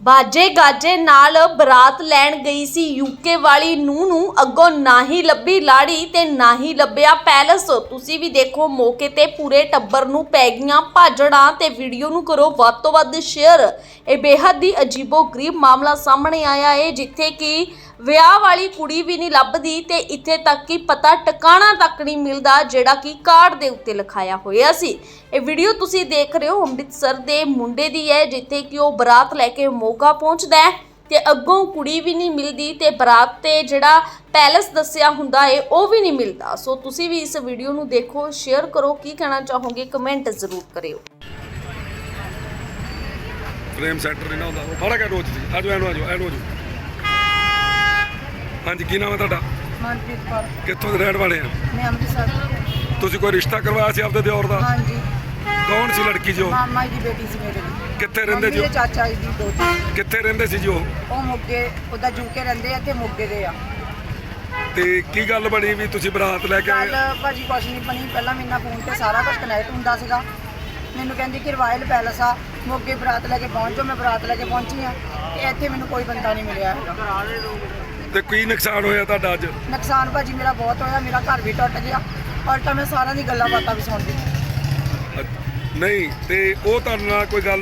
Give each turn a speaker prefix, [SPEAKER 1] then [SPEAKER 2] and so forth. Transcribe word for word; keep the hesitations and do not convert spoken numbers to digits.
[SPEAKER 1] ਬਾਜੇ ਗਾਜੇ ਨਾਲ ਬਰਾਤ ਲੈਣ ਗਈ ਸੀ ਯੂਕੇ ਵਾਲੀ ਨੂੰਹ ਨੂੰ ਅੱਗੋਂ ਨਾ ਹੀ ਲੱਭੀ ਲਾੜੀ ਤੇ ਨਾ ਹੀ ਲੱਭਿਆ ਪੈਲਸ। ਤੁਸੀਂ ਵੀ ਦੇਖੋ ਮੌਕੇ ਤੇ ਪੂਰੇ ਟੱਬਰ ਨੂੰ ਪੈ ਗਈਆਂ ਭਾਜੜਾਂ ਤੇ ਵੀਡੀਓ ਨੂੰ ਕਰੋ ਵੱਧ ਤੋਂ ਵੱਧ ਸ਼ੇਅਰ। ਇਹ ਬੇਹੱਦ ਹੀ ਅਜੀਬੋ-ਗਰੀਬ ਮਾਮਲਾ ਸਾਹਮਣੇ ਆਇਆ ਹੈ ਜਿੱਥੇ ਕਿ ਵਿਆਹ ਵਾਲੀ ਕੁੜੀ ਵੀ ਨਹੀਂ ਲੱਭਦੀ ਤੇ ਇੱਥੇ ਤੱਕ ਕਿ ਪਤਾ ਟਿਕਾਣਾ ਤੱਕ ਨਹੀਂ ਮਿਲਦਾ ਜਿਹੜਾ ਕਿ ਕਾਰਡ ਦੇ ਉੱਤੇ ਲਿਖਾਇਆ ਹੋਇਆ ਸੀ। ਇਹ ਵੀਡੀਓ ਤੁਸੀਂ ਦੇਖ ਰਹੇ ਹੋ ਅੰਮ੍ਰਿਤਸਰ ਦੇ ਮੁੰਡੇ ਦੀ ਹੈ ਜਿੱਥੇ ਕਿ ਉਹ ਬਰਾਤ ਲੈ ਕੇ ਮੋਗਾ ਪਹੁੰਚਦਾ ਹੈ ਤੇ ਅੱਗੋਂ ਕੁੜੀ ਵੀ ਨਹੀਂ ਮਿਲਦੀ ਤੇ ਬਰਾਤ ਤੇ ਜਿਹੜਾ ਪੈਲਸ ਦੱਸਿਆ ਹੁੰਦਾ ਹੈ ਉਹ ਵੀ ਨਹੀਂ ਮਿਲਦਾ। ਸੋ ਤੁਸੀਂ ਵੀ ਇਸ ਵੀਡੀਓ ਨੂੰ ਦੇਖੋ, ਸ਼ੇਅਰ ਕਰੋ, ਕੀ ਕਹਿਣਾ ਚਾਹੋਗੇ ਕਮੈਂਟ ਜ਼ਰੂਰ ਕਰਿਓ।
[SPEAKER 2] ਫਰੇਮ ਸੈਂਟਰ ਨਹੀਂ ਨਾ ਹੁੰਦਾ ਉਹ ਫੜਾ ਕੇ ਰੋਜ਼ ਸੀ। ਆਜੋ ਐਨੂੰ ਆਜੋ ਐਨੂੰ ਆਜੋ। ਹਾਂਜੀ, ਕੀ ਨਾਮ ਹੈ ਤੁਹਾਡਾ?
[SPEAKER 3] ਮਨਪ੍ਰੀਤ ਕੌਰ।
[SPEAKER 2] ਕਿੱਥੋਂ ਦੇ ਰਹਿਣ ਵਾਲੇ ਆ?
[SPEAKER 3] ਮੈਂ ਅੰਮ੍ਰਿਤਸਰ।
[SPEAKER 2] ਤੁਸੀਂ ਕੋਈ ਰਿਸ਼ਤਾ ਕਰਵਾਇਆ ਸੀ ਆਪਦੇ ਦਿਓਰ ਦਾ?
[SPEAKER 3] ਹਾਂਜੀ।
[SPEAKER 2] ਕੌਣ ਸੀ ਲੜਕੀ ਜੋ?
[SPEAKER 3] ਮਾਮਾ ਜੀ ਦੀ ਬੇਟੀ ਸੀ ਮੇਰੇ ਦੀ।
[SPEAKER 2] ਕਿੱਥੇ ਰਹਿੰਦੇ ਜੀ?
[SPEAKER 3] ਮੇਰੇ ਚਾਚਾ ਜੀ ਦੀ ਦੋਤੀ।
[SPEAKER 2] ਕਿੱਥੇ ਰਹਿੰਦੇ ਸੀ ਜੀ ਉਹ?
[SPEAKER 3] ਉਹ ਮੋਗੇ, ਉਹਦਾ ਜੂਕੇ ਰਹਿੰਦੇ ਆ ਤੇ ਮੋਗੇ ਦੇ ਆ।
[SPEAKER 2] ਤੇ ਕੀ ਗੱਲ ਬਣੀ ਵੀ ਤੁਸੀਂ ਬਰਾਤ ਲੈ ਕੇ ਆਏ?
[SPEAKER 3] ਗੱਲ ਭਾਜੀ ਕੁਛ ਨਹੀਂ ਬਣੀ। ਪਹਿਲਾਂ ਮੇਰੇ ਨਾਲ ਫੋਨ ਤੇ ਸਾਰਾ ਕੁਝ ਕਨੈਕਟ ਹੁੰਦਾ ਸੀਗਾ। ਮੈਨੂੰ ਕਹਿੰਦੀ ਕਿ ਰਾਇਲ ਪੈਲਸ ਆ ਮੋਗੇ, ਬਰਾਤ ਲੈ ਕੇ ਪਹੁੰਚੋ। ਮੈਂ ਬਰਾਤ ਲੈ ਕੇ ਪਹੁੰਚੀ ਆ ਤੇ ਇੱਥੇ ਮੈਨੂੰ ਕੋਈ ਬੰਦਾ ਨਹੀਂ ਮਿਲਿਆ ਹੈਗਾ।
[SPEAKER 2] ਤੇ ਕੀ ਨੁਕਸਾਨ ਹੋਇਆ ਤੁਹਾਡਾ ਅੱਜ?
[SPEAKER 3] ਨੁਕਸਾਨ ਭਾਜੀ ਮੇਰਾ ਬਹੁਤ ਹੋਇਆ। ਮੇਰਾ ਘਰ ਵੀ ਟੁੱਟ ਗਿਆ ਔਰ ਤਾਂ ਮੈਂ ਸਾਰਿਆਂ ਦੀ ਗੱਲਾਂ ਬਾਤਾਂ ਵੀ ਸੁਣਦੀ।
[SPEAKER 2] ਨਹੀਂ ਤੇ ਉਹ ਤੁਹਾਡੇ ਨਾਲ ਕੋਈ ਗੱਲ